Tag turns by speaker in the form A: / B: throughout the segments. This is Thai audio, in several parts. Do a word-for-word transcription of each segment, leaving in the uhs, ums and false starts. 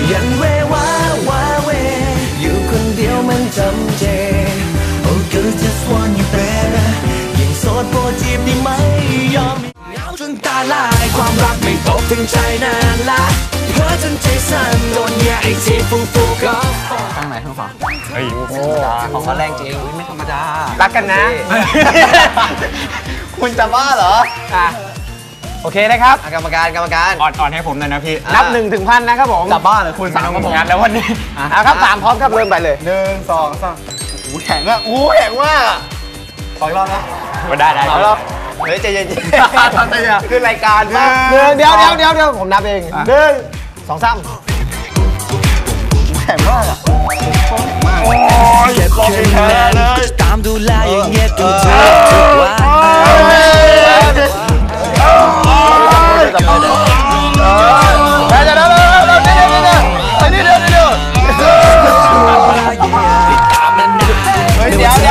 A: ยังเววาวาเวอยู่คนเดียวมันจำเจ Oh girl just want you baby ยิ่งโสดโปรดจีบได้ไหมยอมเหงาจนตาลายความรักไม่ตกถึงใจนานละเพ้อจนใจสั่นโดนแย่ไอจีฟูฟูก็ตั้งไหนข้างฝั่งเฮ้ยโอ้ของเขาแรงจริงไม่ธรรมดารักกันนะคุณจะบ้าเหรออ่ะโอเคนะครับกรรมการกรรมการอ่อนๆให้ผมหน่อยนะพี่นับหนึ่งถึงพันนะครับผมจะบ้าเหรอคุณสามกับผมงานแล้ววันนี้อ่ะครับสามพร้อมครับเริ่มไปเลยหนึ่งสองสามโอ้แข็งอ่ะโอ้แข็งมากขออีกรอบนะก็ได้ได้รอบเฮ้ยใจเย็นๆคือรายการหนึ่งเดี๋ยวเดี๋ยวเดี๋ยวเดี๋ยวผมนับเองหนึ่งสองสามแข็งมากอ่ะมากโอ้ยรอบนี้แพ้เลยตามดูแลอย่างเงี้ยดูเธอทุกวันเดี๋ยวเดี๋ยวเดี๋ยวเดี๋ยวเดี๋ยวเดี๋ยวเดี๋ยวเดี๋ยวเดี๋ยวเดี๋ยว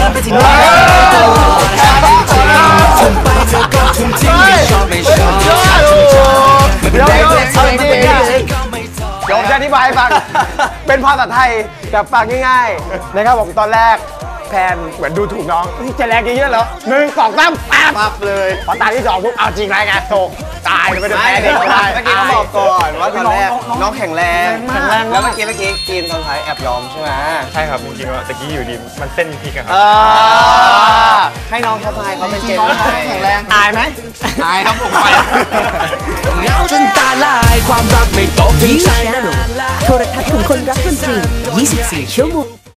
A: ผมจะอธิบายให้ฟังเป็นภาษาไทยแบบฟังง่ายๆนะครับผมตอนแรกแพนเหมือนดูถูกน้องจะแรงเยอะๆเหรอหนึ่งสองสามปั๊บเลยพอตาที่สองปุ๊บเอาจริงไรไงโถตายเลยไม่ได้แพ้เด็กเมื่อกี้เขาบอกก่อนว่าตอนแรกน้องแข็งแรงแข็งแรงแล้วเมื่อกี้เมื่อกี้กินตอนท้ายแอบยอมใช่ไหมใช่ครับจริงๆว่าตะกี้อยู่ดีมันเส้นพลิกอะครับให้น้องเขาทายเขาเป็นเกมแข็งแรงอายไหมอายครับผมไปเงาจนตาลายความรักไม่ตกถึงใจนานโทรทัศน์ของคนรักดนตรียี่สิบสี่ชั่วโมง